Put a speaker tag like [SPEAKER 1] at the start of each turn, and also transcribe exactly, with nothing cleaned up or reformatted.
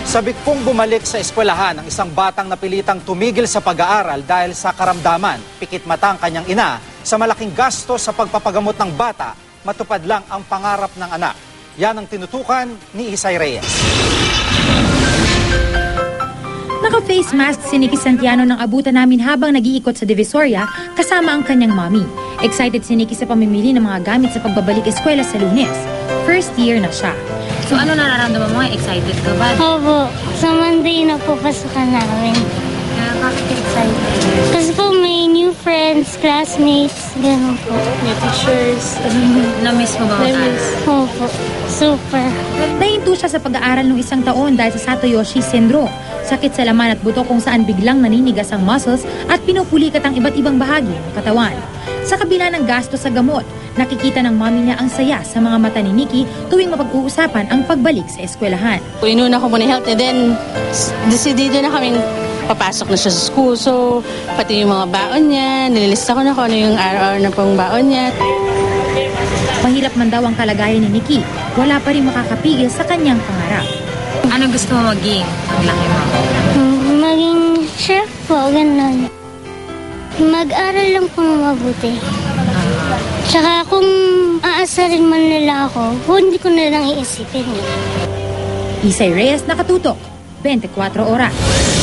[SPEAKER 1] Sabik pong bumalik sa eskwelahan ang isang batang napilitang tumigil sa pag-aaral dahil sa karamdaman. Pikit mata ang kanyang ina sa malaking gasto sa pagpapagamot ng bata, matupad lang ang pangarap ng anak. Yan ang tinutukan ni Isay Reyes.
[SPEAKER 2] Naka-face mask si Nikki Santiano nang abutan namin habang nag-iikot sa Divisoria kasama ang kanyang mommy. Excited si Nikki sa pamimili ng mga gamit sa pagbabalik eskwela sa Lunes. First year na siya.
[SPEAKER 3] So ano nararamdaman mo? Excited ka ba?
[SPEAKER 4] Opo, sa Monday na po pasukan namin.
[SPEAKER 3] Uh, bakit excited?
[SPEAKER 4] Kasi po may new friends, classmates, gano'n po.
[SPEAKER 3] May teachers. Na-miss mo ba mag-aaral?
[SPEAKER 4] Opo, super.
[SPEAKER 2] Nahinto siya sa pag-aaral ng isang taon dahil sa Satoyoshi syndrome. Sakit sa laman at buto kung saan biglang naninigas ang muscles at pinupulikat ang iba't ibang bahagi ng katawan. Sa kabila ng gasto sa gamot, nakikita ng mami niya ang saya sa mga mata ni Nikki tuwing mapag-uusapan ang pagbalik sa eskwelahan.
[SPEAKER 5] Inuna ko muna health and then decidido na kaming papasok na siya sa school. So pati yung mga baon niya, nililista ko na kung ano yung araw-araw na pong baon niya.
[SPEAKER 2] Mahirap man daw ang kalagayan ni Nikki, wala pa rin makakapigil sa kanyang pangarap.
[SPEAKER 3] Ano gusto mo maging ang laki mo?
[SPEAKER 4] Maging chef po, gano'n. Mag-aral lang po mabuti. Tsaka kung aasarin man nila ako, hindi ko na lang iisipin.
[SPEAKER 2] Isay Reyes, Nakatutok, twenty-four oras.